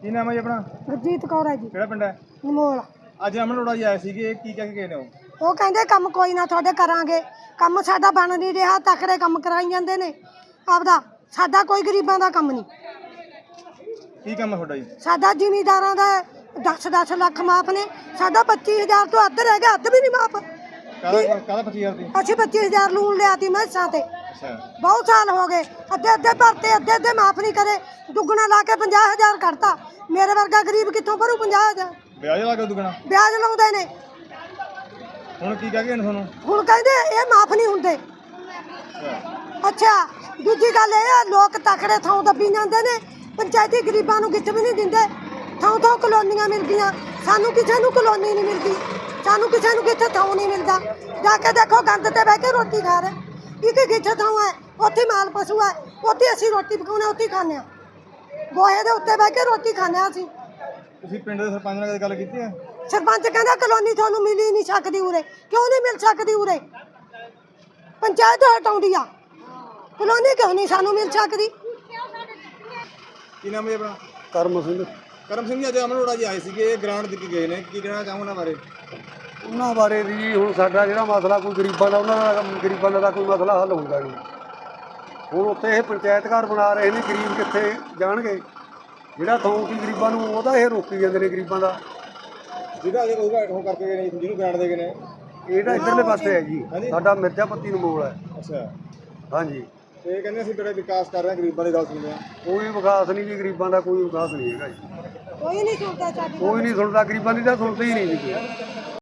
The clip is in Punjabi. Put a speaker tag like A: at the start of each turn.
A: ਕੀ ਨਾਮ ਹੈ ਜੀ ਆਪਣਾ?
B: ਗੁਰਜੀਤ ਕੌਰ ਹੈ ਜੀ।
A: ਕਿਹੜਾ ਪਿੰਡ ਹੈ?
B: ਨਿਮੋਲ।
A: ਅੱਜ ਅਮਨ ਅਰੋੜਾ ਜੀ ਆਏ ਸੀਗੇ, ਕੀ ਕਹਿ ਕੇ ਗਏ ਨੇ ਉਹ?
B: ਉਹ ਕਹਿੰਦੇ ਕੰਮ ਕੋਈ ਨਾ ਤੁਹਾਡੇ ਕਰਾਂਗੇ। ਕੰਮ ਸਾਡਾ ਬਣ ਨਹੀਂ ਰਿਹਾ, ਤਕੜੇ ਕੰਮ ਕਰਾਈ ਜਾਂਦੇ ਨੇ ਆਪਦਾ। ਸਾਡਾ ਕੋਈ ਗਰੀਬਾਂ ਦਾ ਕੰਮ ਨਹੀਂ।
A: ਕੀ ਕੰਮ ਹੈ ਤੁਹਾਡਾ ਜੀ?
B: ਸਾਡਾ ਜ਼ਿਮੀਂਦਾਰਾਂ ਦਾ 10-10 ਲੱਖ ਮਾਫ ਨੇ, ਸਾਡਾ 25,000 ਤੋਂ ਅੱਧ ਰਹਿ ਗਿਆ, ਅੱਧ ਵੀ ਨਹੀਂ ਮਾਫ।
A: ਕਾਹਦਾ 25,000 ਦੀ?
B: ਅਸੀਂ 25,000 ਲੋਨ ਲਿਆ ਤੀ ਮੈਸਾਂ ਤੇ,
A: ਅੱਛਾ,
B: ਬਹੁਤ ਸਾਲ ਹੋ ਗਏ। ਅੱਧੇ ਭਰਤੇ, ਅੱਧੇ ਮਾਫ ਨਹੀਂ ਕਰੇ। ਦੁੱਗਣਾ ਲਾ ਕੇ 50,000 ਕੱਢਤਾ। ਮੇਰੇ ਵਰਗਾ ਗਰੀਬ ਕਿੱਥੋਂ ਭਰੂ 50,000?
A: ਵਿਆਜ ਲਾ ਕੇ ਦੁੱਗਣਾ
B: ਵਿਆਜ ਲਾਉਂਦੇ ਨੇ।
A: ਹੁਣ ਕੀ ਕਹਿ ਗਏ ਨੇ ਤੁਹਾਨੂੰ?
B: ਹੁਣ ਕਹਿੰਦੇ ਇਹ ਮਾਫ ਨਹੀਂ ਹੁੰਦੇ। ਅੱਛਾ, ਦੂਜੀ ਗੱਲ ਇਹ ਆ, ਲੋਕ ਤਕੜੇ ਥਾਂ ਦੱਬੀ ਜਾਂਦੇ ਨੇ, ਪੰਚਾਇਤੀ ਗਰੀਬਾਂ ਨੂੰ ਕਿੱਥੇ ਵੀ ਨਹੀਂ ਦਿੰਦੇ। ਥਾਂ ਕਲੋਨੀਆਂ ਮਿਲ ਗਈਆਂ, ਸਾਨੂੰ ਕਿਸੇ ਨੂੰ ਕਲੋਨੀ ਨਹੀਂ ਮਿਲਦੀ, ਸਾਨੂੰ ਕਿਸੇ ਨੂੰ ਕਿੱਥੇ ਥਾਂ ਨਹੀਂ ਮਿਲਦਾ। ਜਾ ਕੇ ਦੇਖੋ, ਗੰਦ ਤੇ ਬਹਿ ਕੇ ਰੋਟੀ ਖਾ ਰਹੇ। ਇੱਕ ਕਿੱਥੇ ਥਾਂ ਹੈ, ਉੱਥੇ ਮਾਲ ਪਸ਼ੂ ਹੈ, ਉੱਥੇ ਅਸੀਂ ਰੋਟੀ ਪਕਾਉਣੇ, ਉੱਥੇ ਖਾਂਦੇ ਹਾਂ। ਗੋਹੇ ਦੇ ਉੱਤੇ ਬਹਿ ਕੇ ਰੋਟੀ ਖਾਂਦੇ ਹਾਂ ਅਸੀਂ।
A: ਤੁਸੀਂ ਪਿੰਡ ਦੇ ਸਰਪੰਚ ਨਾਲ ਕਦੇ ਗੱਲ ਕੀਤੀ ਹੈ?
B: ਸਰਪੰਚ ਕਹਿੰਦਾ ਕਲੋਨੀ ਤੁਹਾਨੂੰ ਮਿਲ ਹੀ ਨਹੀਂ ਸਕਦੀ ਉਰੇ। ਕਿਉਂ ਨਹੀਂ ਮਿਲ ਸਕਦੀ ਉਰੇ? ਪੰਚਾਇਤ ਹਟਾਉਂਦੀ ਆ, ਕਲੋਨੀ ਕਿਉਂ ਨਹੀਂ ਸਾਨੂੰ ਮਿਲ ਸਕਦੀ?
A: ਕੀ ਨਾਮ ਹੈ ਆਪਣਾ?
C: ਕਰਮ ਸਿੰਘ।
A: ਕਰਮ ਸਿੰਘ ਜੀ, ਅੱਜ ਅਮਨ ਅਰੋੜਾ ਜੀ ਆਏ ਸੀਗੇ, ਗ੍ਰਾਂਟ ਦੇ ਕੇ ਗਏ ਨੇ, ਕੀ ਕਹਿਣਾ ਚਾਹੋ ਉਹਨਾਂ ਬਾਰੇ?
C: ਉਹਨਾਂ ਬਾਰੇ ਵੀ ਹੁਣ ਸਾਡਾ ਜਿਹੜਾ ਮਸਲਾ ਕੋਈ ਗਰੀਬਾਂ ਦਾ, ਉਹਨਾਂ ਦਾ ਗਰੀਬਾਂ ਦਾ ਕੋਈ ਮਸਲਾ ਹੱਲ ਹੁੰਦਾ ਨਹੀਂ। ਹੁਣ ਉੱਥੇ ਇਹ ਪੰਚਾਇਤ ਘਰ ਬਣਾ ਰਹੇ ਨੇ, ਗਰੀਬ ਕਿੱਥੇ ਜਾਣਗੇ? ਜਿਹੜਾ ਥੋਂ ਕੀ ਗਰੀਬਾਂ ਨੂੰ, ਉਹਦਾ ਇਹ ਰੋਕੀ ਜਾਂਦੇ ਨੇ ਗਰੀਬਾਂ ਦਾ।
A: ਜਿਹਦਾ ਅਜੇ ਕੋਈ ਉਹ ਕਰਕੇ ਗਏ ਨੇ, ਜਿਹਨੂੰ ਗ੍ਰਾਂਟ ਦੇ ਗਏ ਨੇ,
C: ਇਹਦਾ ਇੱਧਰਲੇ ਪਾਸੇ ਹੈ ਜੀ, ਸਾਡਾ ਮਿਰਜ਼ਾਪੱਤੀ ਨਮੋਲ ਹੈ।
A: ਅੱਛਾ,
C: ਹਾਂਜੀ।
A: ਤੇ ਕਹਿੰਦੇ ਅਸੀਂ ਬੜਾ ਵਿਕਾਸ ਕਰ ਰਹੇ ਹਾਂ, ਗਰੀਬਾਂ ਦੀ ਗੱਲ ਸੁਣਦੇ ਹਾਂ।
C: ਕੋਈ ਵਿਕਾਸ ਨਹੀਂ ਜੀ, ਗਰੀਬਾਂ ਦਾ ਕੋਈ ਵਿਕਾਸ ਨਹੀਂ ਹੈਗਾ ਜੀ।
B: ਕੋਈ ਨਹੀਂ ਸੁਣਦਾ ਸਾਡੀ।
C: ਕੋਈ ਨਹੀਂ ਸੁਣਦਾ, ਗਰੀਬਾਂ ਦੀ ਤਾਂ ਸੁਣਦੇ ਹੀ ਨਹੀਂ ਜੀ ਕੋਈ।